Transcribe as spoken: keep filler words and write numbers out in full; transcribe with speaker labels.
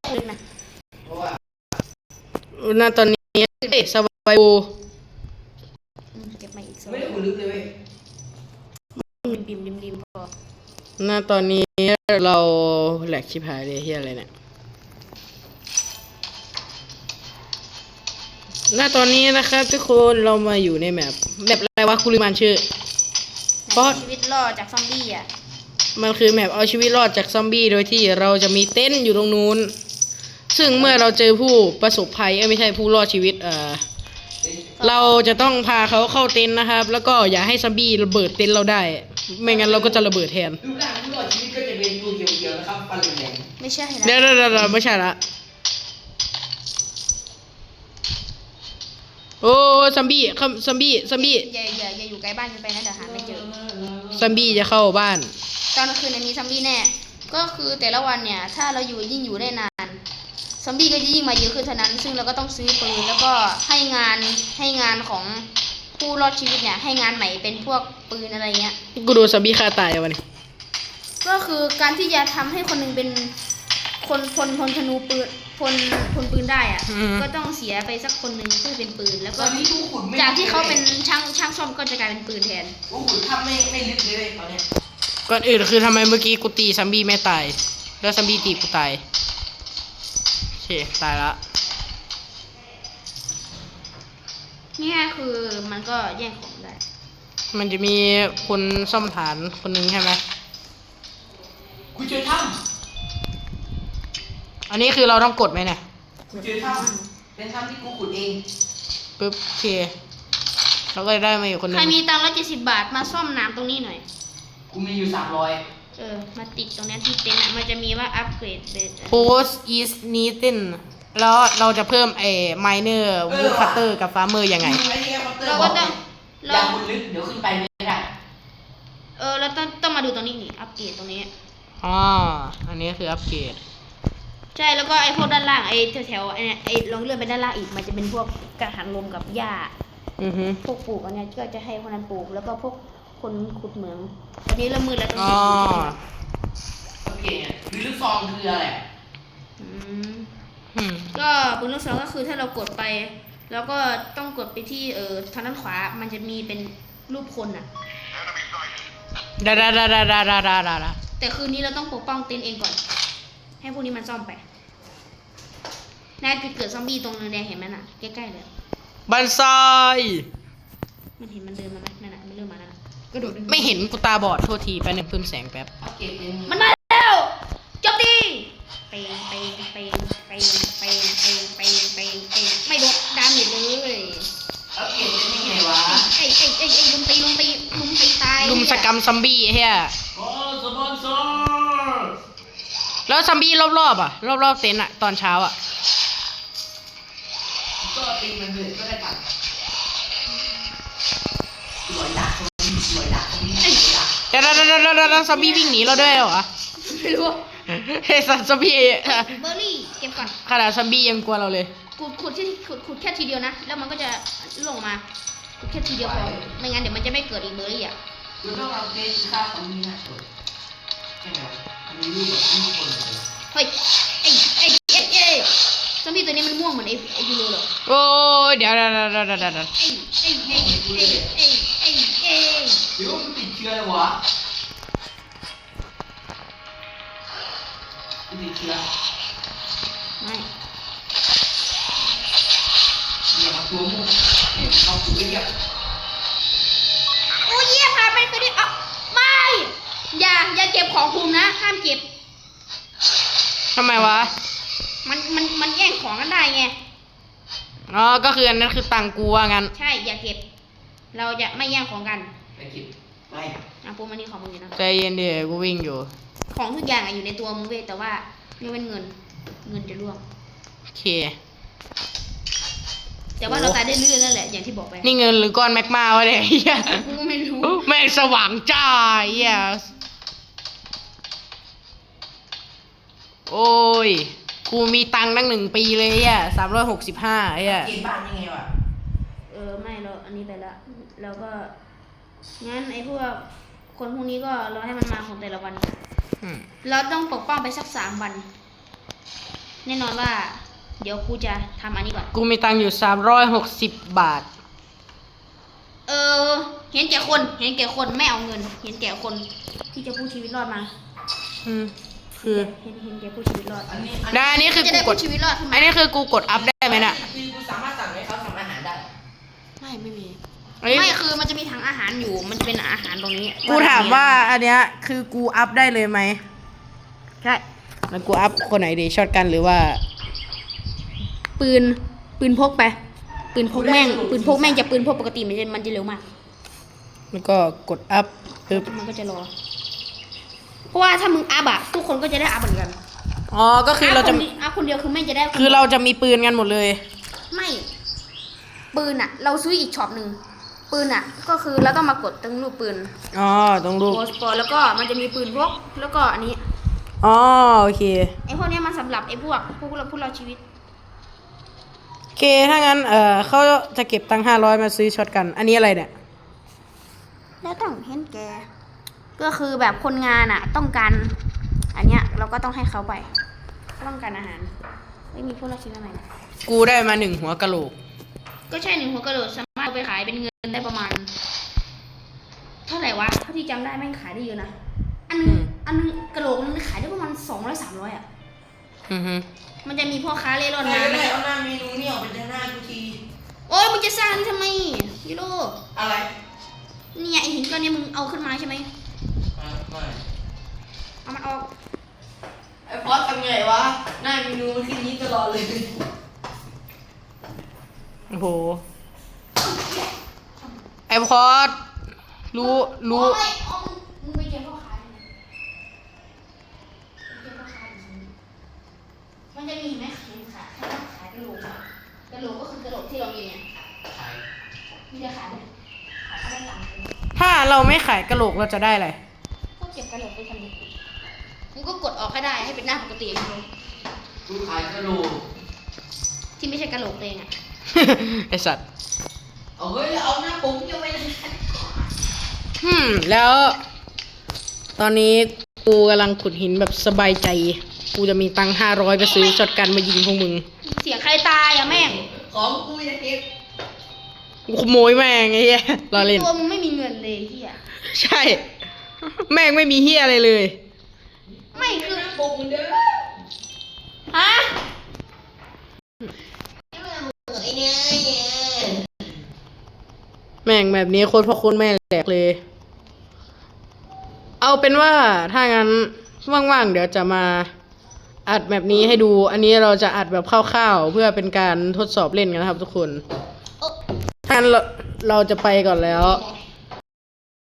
Speaker 1: ลึกนะ
Speaker 2: หน้าตอนนี้เด็กสบายบู
Speaker 1: เก็บมาอีก
Speaker 3: ไม่ได้ขุดลึกเลยเว้ย
Speaker 1: บิมบิมริมพอ
Speaker 2: หน้าตอนนี้เราแหลกชิบหายเลยเฮียอะไรเนี่ยหน้าตอนนี้นะครับทุกคนเรามาอยู่ในแมปแมปอะไรวะกูลืมอ่านชื่อ
Speaker 1: เพราะชีวิตรอดจากซอมบี้อ่ะ
Speaker 2: มันคือแมปเอาชีวิตรอดจากซอมบี้โดยที่เราจะมีเต็นท์อยู่ตรงนู้นซึ่งเมื่อเราเจอผู้ประสบภัยเอ้ยไม่ใช่ผู้รอดชีวิตเอ่อเราจะต้องพาเขาเข้าเต็นท์นะครับแล้วก็อย่าให้ซอมบี้ระเบิดเต็นท์เราได้ไม่งั้นเราก็จะระเบิดแทน
Speaker 3: รูปร่างผู้รอดชีวิตก็จะเป็นตัวเขียวๆนะครับฟันแหลม
Speaker 1: ไม่ใช่
Speaker 2: เดี๋ยวเดี๋ยวเดี๋ยวไม่ใช่ละโอ้ซอมบี้ซอมบี้ซอมบี้
Speaker 1: อย่าอย่าอย่าอยู่ใกล้บ้านกันไปนะเดี๋ยวหาไม่เจอ
Speaker 2: ซอมบี้จะเข้าบ้าน
Speaker 1: ตอนกลางคืนมีซอมบี้แน่ก็คือแต่ละวันเนี่ยถ้าเราอยู่ยิ่งอยู่ได้นานซอมบี้ก็จะยิ่งมาเยอะขึ้นเท่านั้นซึ่งเราก็ต้องซื้อปืนแล้วก็ให้งานให้งานของผู้รอดชีวิตเนี่ยให้งานใหม่เป็นพวกปืนอะไรเงี้ย
Speaker 2: กูดูซอมบี้ฆ่าตายวันนี้
Speaker 1: ก็คือการที่จะทำให้คนหนึ่งเป็นคนพลพลธนูปืนพลพลปืนได้อ่ะก็ต้องเสียไปสักคนหนึ่งเพื่อเป็นปืนแล้วก็จากที่เขาเป็นช่างช่างซ่อมก็จะกลายเป็นปืนแทน
Speaker 3: โอ้โหทำไม่ไม่ลึกเลยตอนนี้
Speaker 2: ก่อนอื่นคือทำไมเมื่อกี้กูตีซอมบี้ไม่ตายแล้วซอมบี้ตีกูตายโอเคตายละ
Speaker 1: นี่คือมันก็แย่งของได้
Speaker 2: มันจะมีคนซ่อมฐานคนหนึ่งใช่ไหม
Speaker 3: กูเจอถ้
Speaker 2: ำอันนี้คือเราต้องกดไหมเนี่ย
Speaker 3: กูเจอถ้ำเป็นถ้ำที่กูขุดเอง
Speaker 2: ปึ๊บโอเคเราก็ได้มาอยู่คนนึง
Speaker 1: ใครมีตังค์ร้อยเจ็ดสิบบาทมาซ่อมน้ำตรงนี้หน่อย
Speaker 3: กูมีอยู่สามร้อย
Speaker 1: เออมาติดตรงนี้ที่เต็นท์มันจะมีว่าอัปเกรดเบส
Speaker 2: Post is needed แล้วเราจะเพิ่มไอ้ miner wood cutter กับ farmer ยังไง
Speaker 1: เราก็ต้อง
Speaker 3: อย่าขุดลึกเดี๋ยวขึ้นไปไม่ได้
Speaker 1: เออเราต้องต้องมาดูตรงนี้นี่อัปเกรดตรงนี้
Speaker 2: อ๋ออันนี้คืออัปเกรด
Speaker 1: ใช่แล้วก็ไอ้พวกด้านล่างไอ้แถวๆไอ้ไอ้ลองเลื่อนไปด้านล่างอีกมันจะเป็นพวกกระถางลมกับหญ้า
Speaker 2: อือฮึ
Speaker 1: พวกปลูกอันนี้ก็จะให้คนนั้นปลูกแล้วก็พวกคนขุดเหมืองอันนี้เริ่มมืดแล้วต้อง
Speaker 2: เก็บ
Speaker 3: โอเคปืนลูกซองคืออะไร
Speaker 1: อืมก็ปืนลูกซองก็คือถ้าเรากดไปแล้วก็ต้องกดไปที่เอ่อทางด้านขวามันจะมีเป็นรูปคนอ่ะ
Speaker 2: ดาดาดาดาดาดาดาดา
Speaker 1: แต่คืนนี้เราต้องปกป้องเต็นท์เองก่อนให้พวกนี้มันซ่อมไปนายจุดเกิดซอมบี้ตรงนึงแดงเห็นไหมน่ะใกล้ๆเลย
Speaker 2: บันไซ
Speaker 1: มันเห็นมันเดินมาไหมนั่นน่ะมันเริ่มมาแล้ว
Speaker 2: กระโดดไม่เห็นกูตาบอดโทษทีไปหนึ่งเพิ่มแสงแป๊บ
Speaker 1: มันมาแล้วจบดีไปไปไปไปไปไปไปไปไปไม่โดนดาเมจเลย
Speaker 3: เอาเก็บเป็นยังไงวะ
Speaker 1: ไอ้ไอ้ไอ้ไอ้ลุมตีลุมตีลุมตีตาย
Speaker 2: ลุมสกรรมซอมบี้เฮีย
Speaker 3: โอ้สปอนเซอร์
Speaker 2: แล้วซอมบี้รอบๆอ่ะรอบๆเต็นท์อ่ะตอนเช้าอ่ะ
Speaker 3: ก็ตีมันเลยก็ได้ตัดสวยดักสวยดักสวยดัก
Speaker 2: เดี๋ยวเดี๋ยวเดี๋ยวเดี๋ยวซอมบี้วิ่งหนีเราด้วยเหรอ
Speaker 1: ไม่รู้
Speaker 2: เฮ้ยซอมบี้
Speaker 1: เบอร์รี่เก็บก่อน
Speaker 2: ขนาดซอมบี้ยังกลัวเราเลย
Speaker 1: ขุดขุดที่ขุดขุดแค่ทีเดียวนะแล้วมันก็จะลงมาขุดแค่ทีเดียวพอไม่งั้นเดี๋ยวมันจะไม่เกิดอีกเบอร์รี่อ่ะ
Speaker 3: คุณต้องเอาเกสค่าของมีหน้าสวยใช่ไหมอันนี้รูปแบบรูปคนเลย
Speaker 1: เฮ้ยไอ้ไอ้ไอ้ไอ้ซอมบี้ตัวนี้มันม่วงเหมือนไอ้ไอ้ยูโรเหรอ
Speaker 2: โอ้ยเดี๋ยวเดี๋ยวเดี๋ยวเดี๋ยวเดี๋ยว
Speaker 1: ไอ้ไอ้ไอ้ไอ้ไอ้ไอ้ไอ้
Speaker 3: เดี๋ยวมันติดเชื้อเลยวะติดเชื้อ
Speaker 1: ไม่
Speaker 3: อย่ามาตัวมุกเนี่ยเขาตัวเยี่ย
Speaker 1: โอ้ยเยี่ยพาไปคือดิอ่ะไม่อย่าอย่าเก็บของคุณนะห้ามเก็บ
Speaker 2: ทำไมวะ
Speaker 1: มันมันมันแย่งของกันได้ไง
Speaker 2: อ๋อก็คืออันนั้นคือตังกูว่างั้น
Speaker 1: ใช่อย่าเก็บเราจะไม่แย่งของกัน
Speaker 3: ไม่เก็บไม่
Speaker 1: อ่ะพวกมันนี่ของมึงอยู่นะ
Speaker 2: ใจเย็นเดี๋ยวกูวิ่งอยู่
Speaker 1: ของทุกอย่างอยู่ในตัวมึงเว้ยแต่ว่าไม่เป็นเงินเงินจะร่วง
Speaker 2: โอเค
Speaker 1: แต่ว่าเราตายได้เรื่อยนั่นแหละอย่างที่บอกไป
Speaker 2: นี่เงินหรือก้อนแมกมาวะเนี่ย
Speaker 1: กูไม่รู้
Speaker 2: แม่งสว่างจ้าเฮียโอ้ยกูมีตังค์ตั้งหนึ่งปีเลยอ่ะสามร้อยหกสิบห้าไอ้อ่ะ
Speaker 3: เกมบ้านยังไงวะ
Speaker 1: เออไม่เราอันนี้ไปละแล้วก็งั้นไอ้พวกคนพวกนี้ก็รอให้มันมาของแต่ละวันเราต้องปกป้องไปสักสามวันแน่นอนว่า เดี๋ยวกูจะทำอันนี้ก่อน
Speaker 2: กูมีตังค์อยู่สามร้อยหกสิบบาท
Speaker 1: เออ เห็นแก่คนเห็นแก่คนไม่เอาเงิน เห็นแก่คนที่จะพูดชีวิตรอดมา
Speaker 2: อืม คือ
Speaker 1: เห็นเห็นแก่พูดชีวิตรอด
Speaker 3: อันนี้
Speaker 2: ได้อันนี้คือ
Speaker 1: จะ
Speaker 2: กู
Speaker 1: ได้
Speaker 2: ก
Speaker 1: พู
Speaker 2: ด
Speaker 1: ดชีวิตรอดขึ้น
Speaker 2: อั
Speaker 1: มาน
Speaker 2: นี้คือกูกดอัพได้ไหมน่ะ
Speaker 3: คือกูสามารถสั่งให้เขาทำอาหารได้
Speaker 1: ไม่ไม่มี
Speaker 2: อันนี้
Speaker 1: ไม่คือมันจะมีถังอาหารอยู่ มันจะเป็นอาหารตรงนี้
Speaker 2: กูถามว่าอันเนี้ยคือกูอัพได้เลยไหม
Speaker 1: ใช่
Speaker 2: แล้วกูอัพคนไหนดีช็อตกันหรือว่า
Speaker 1: ปืน ปืนพกไป ปืนพกแม่ง ปืนพกแม่งจะปืนพกปกติมันจะมันจะเร็วมาก
Speaker 2: แล้วก็กดอัพปึ๊บ
Speaker 1: มันก็จะรอ เพราะว่าถ้ามึงอัพอะทุกคนก็จะได้อัพเหมือนกัน
Speaker 2: อ๋อ ก็คือเราจะ
Speaker 1: พคนดีอัพคนเดียวคือแม่งจะได้น
Speaker 2: คือเราจะมีปืนกันหมดเลย
Speaker 1: ไม่ ปืนอะเราซื้ออีกช็อปหนึ่ง ปืนอะก็คือเราต้องมากดตรงรูปปืน
Speaker 2: อ๋อ ตรงรูป
Speaker 1: โพสปอร์แล้วก็มันจะมีปืนพก แล้วก็อันนี้
Speaker 2: อ๋อ โอเค
Speaker 1: ไอ้พวกเนี้ยมันสำหรับไอ้พวกพวกเราพวกเราชีวิต
Speaker 2: โอเค ถ้างั้น เอ่อเขาจะเก็บตังค์ห้าร้อยมาซื้อช็อตกัน อันนี้อะไรเนี่ย
Speaker 1: แล้วต้องเห็นแก ก็คือแบบคนงานอะต้องการ อันเนี้ยเราก็ต้องให้เขาไป ต้องการอาหาร ไม่มีพวกเราชีวิตอะไรนะ
Speaker 2: กูได้มาหนึ่งหัวกะโหลก
Speaker 1: ก็ใช่หนึ่งหัวกระโดดสามารถเอาไปขายเป็นเงินได้ประมาณ เท่าไหร่วะเท่าที่จำได้แม่งขายได้เยอะนะ อันนึง
Speaker 2: อืม
Speaker 1: อันนึงกระโหลกนึงขายได้ประมาณสองร้อยสามร้อยอ่ะ
Speaker 2: อือฮึ
Speaker 1: มันจะมีพ่อค้าเล่ร่อน
Speaker 3: ไม่
Speaker 1: นะ
Speaker 3: ได้เอาหน้าเมนูนี่ออกไปจากหน้ากูที
Speaker 1: โอ้ยมึงจะสร้างนี่ทำไมยูโร
Speaker 3: อะไร
Speaker 1: เนี่ยไอหินก้อนเนี้มึงเอาขึ้นมาใช่ไหม
Speaker 3: อ่ะไม่
Speaker 1: เอามันออก
Speaker 3: ไอ้พอสทำไงวะ หน้าเมนูมันขึ้นนี้ตลอดเลย
Speaker 2: โอ้โห ไอพอดรู้ รู้
Speaker 1: โอ้ยเอามึงมึงไปเก็บพ่อค้าดิไปเก็บพ่อค้าดิมันจะมีเห็นไหมเห็นขายขายขายกระโหลกอะกระโหลกก็คือกระโหลกที่เรามีเนี่ย
Speaker 3: ใช่
Speaker 1: มีจะขายไหมขายได้หลังเลย
Speaker 2: ถ้าเราไม่ขายกะโหลกเราจะได้อะไร
Speaker 1: ก็เก็บกระโหลกไปทำอย่างอื่นมึงก็กดออกให้ได้ให้เป็นหน้าปกติเลย
Speaker 3: กูขายกระโหลก
Speaker 1: ที่ไม่ใช่กระโหลกตัวเองอ่ะ
Speaker 2: ไอสัตว์
Speaker 3: เอาเฮ้ยเอาหน้าปุ๋งยังไม่ได้
Speaker 2: ฮึมแล้ว ตอนนี้กูกำลังขุดหินแบบสบายใจ กูจะมีตังค์ห้าร้อยไปซื้อช็อตกันมายิงพวกมึง
Speaker 1: เสียงใครตายอ่ะแม่ง
Speaker 3: ของกูจะเก็บ
Speaker 2: กูขโมยแม่งไอ้เหี้ยรอเล่น
Speaker 1: ตัวมึงไม่มีเงินเลยเฮีย
Speaker 2: ใช่ แม่งไม่มีเฮียอะไรเลย
Speaker 1: ไม่คือ
Speaker 3: หน้าปุ๋งเด้อ
Speaker 1: ฮะ
Speaker 3: ไอ้เนี่ย
Speaker 2: แม่งแบบนี้โคตรพ่อโคตรแม่แหลกเลย เอาเป็นว่าถ้างั้นว่างๆเดี๋ยวจะมาอัดแบบนี้ให้ดู อันนี้เราจะอัดแบบคร่าวๆเพื่อเป็นการทดสอบเล่นกันนะครับทุกคน
Speaker 1: โอ้
Speaker 2: ถ้างั้นเราเราจะไปก่อนแล้ว
Speaker 1: ไ